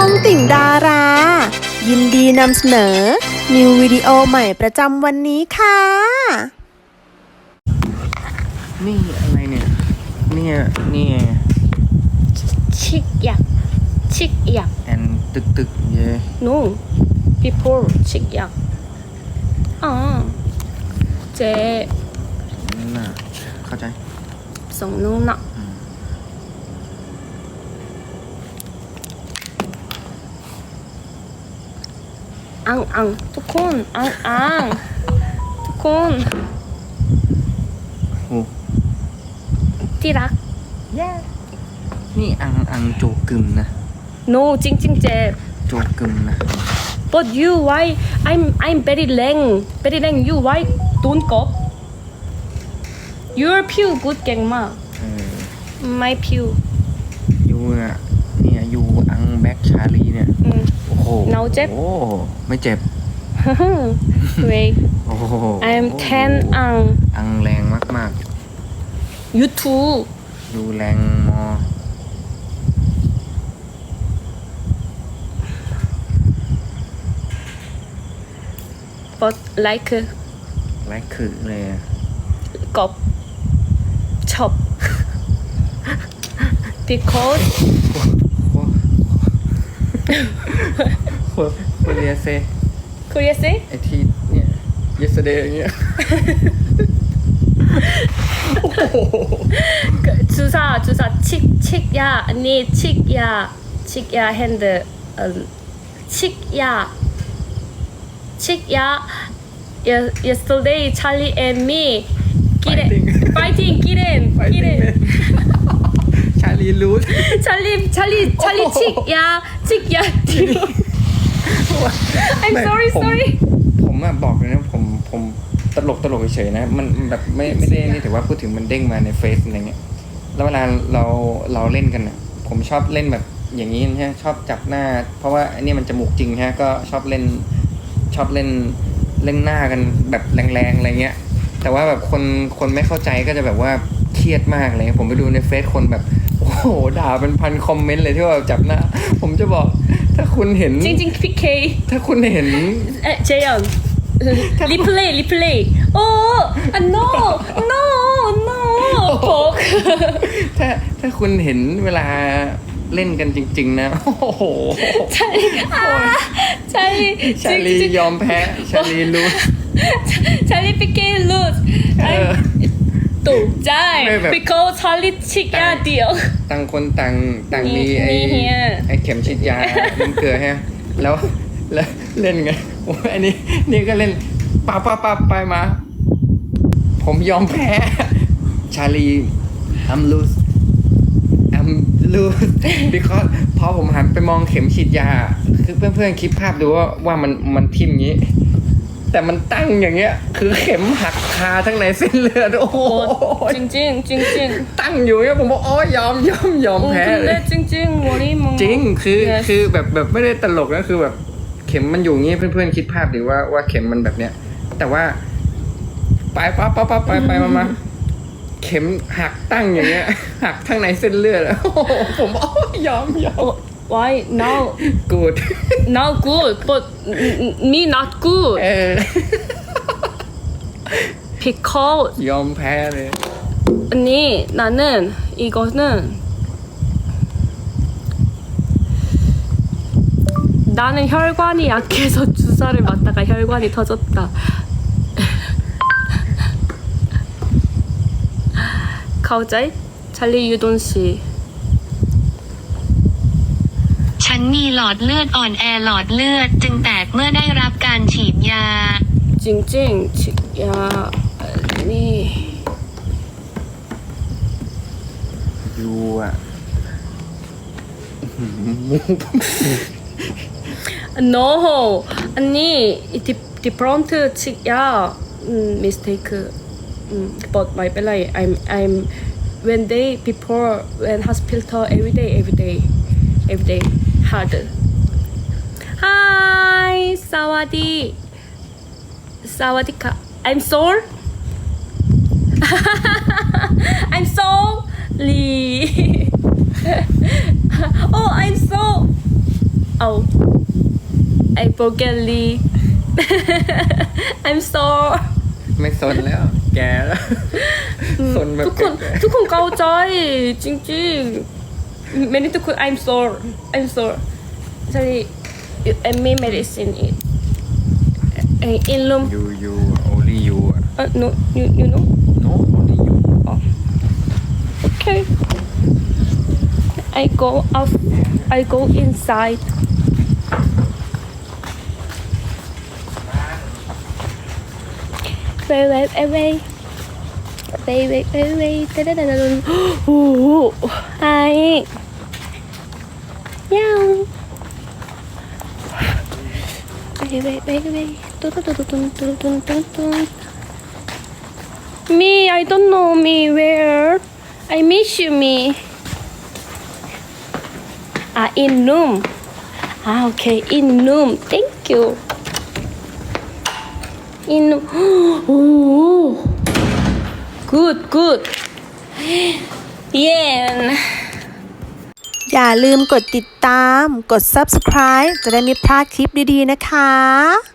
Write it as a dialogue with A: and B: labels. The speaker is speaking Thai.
A: องติ่งดารา ยินดีนำเสนอ นิววิดีโอใหม่ประจำวันนี้ค่ะ
B: นี่อะไรเนี่ยนี่
C: ชิกยัก
B: แอนตึกเย่
C: no before ชิกยักเจ
B: นั่นน่ะเข้าใจ
C: ส่งนู้นน่ะอังทุกคนอังทุกคน
B: โอ้
C: ที่รัก
B: นี่อังโจกึมนะ
C: no จริงเจ
B: โจกึมนะ
C: but you why I'm very leng you why don't go your pew good เก่งมาก my pew
B: ยูน่ะเนี่ยยูอังแบ็กชาลีเนี่ยโอ้โห
C: เนาเจ็บ
B: โอ้ไม่เจ็บ
C: wait
B: โอ้โห
C: I'm 10
B: อังแรงมาก
C: you too
B: ยูแรงมอ
C: but like
B: ไร้คือเลยอะ
C: กบชอบ because
B: คนเรียเซ
C: Korea say
B: ไอที่เนี่ย yesterday อย่างเงี้ย
C: 주사 칙야 언니 칙야 핸드 칙야 yesterday Charlie and me fighting 기린
B: ชาลีรูท
C: Charlie 칙야 I'm sorry
B: ผมอะบอกเลยนะผมตลกเฉยๆนะมันแบบไม่ได้นี่แต่ว่าพูดถึงมันเด้งมาในเฟซอะไรเงี้ยแล้วเวลาเราเล่นกันอะผมชอบเล่นแบบอย่างนี้นะฮะชอบจับหน้า เพราะว่าอันนี้มันจมูกจริงฮะก็ชอบเล่นหน้ากันแบบแรงๆอะไรเงี้ยแต่ว่าแบบคนไม่เข้าใจก็จะแบบว่าเครียดมากเลยผมไปดูในเฟซคนแบบโอ้โหด่าเป็นพันคอมเมนต์เลยที่ว่าจับหน้าผมจะบอกถ้าคุณเห็น
C: จริง PK
B: ถ้าคุณเห็น
C: 재현 리플레이 no 복
B: ถ้าคุณเห็นเวลาเล่นกันจริงๆนะโอ้โหชาลียอมแพ้ชาลีรู้
C: 찰리 PK lose 또 짤 because 찰리 칙야 deal
B: ต่างคนต่างมีไอ้เข็มฉีดยาน้ำเกลือฮะแล้วเล่นไงโอ้ยอันนี่ก็เล่นป้าไปมาผมยอมแพ้ชาลี I'm lose because พอผมหันไปมองเข็มฉีดยาคือเพื่อนๆคิดภาพดูว่ามันทิ่มอย่างนี้แต่มันตั้งอย่างเงี้ยคือเข็มหักคาทั้งในเส้นเลือดโอ้โห
C: จริง
B: ตั้งอยู่เนี่ยผมบอกยอมแพ้เลย
C: จริง머리
B: จริงคือแบบไม่ได้ตลกนะคือแบบเข็มมันอยู่งี้เพื่อนๆคิดภาพดิว่าเข็มมันแบบเนี้ยแต่ว่าไปมาเข็มหักตั้งอย่างเงี้ยหักทั้งในเส้นเลือดผมยอม
C: why now
B: good
C: but me not good because
B: ยอมแพ้เลย
C: 언니 나는 이거는 나는 혈관이 약해서 주사를 맞다가 혈관이 터졌다. 가오자이? 찰리 유돈 씨.
D: ฉันมีหลอดเลือดอ่อนแอหลอดเลือดจึงแตกเมื่อได้รับการฉีดยา
C: 찡찡 야 아니
B: ยูอ่ะ
C: no 아니 different 칙야 mistake but my belly I'm when they before when hospital every day hard hi 사와디카 I'm sorry I'm sorry oh I'm so Oh, I forget Lee. I'm sorry.
B: ไม่สนแล้ว แกแล้วสนแบบ
C: ทุกคนเข้าใจจริงๆไม่ได้ทุกคน I'm sorry sorry I made medicine in room
B: you only you
C: no you know
B: no only you
C: okay I go out I go inside wait oh hi meow wait me I don't know me where I miss you me in room okay in room thank you in oh good yeah
A: อย่าลืมกดติดตาม กด subscribe จะได้ไม่พลาดคลิปดีๆนะคะ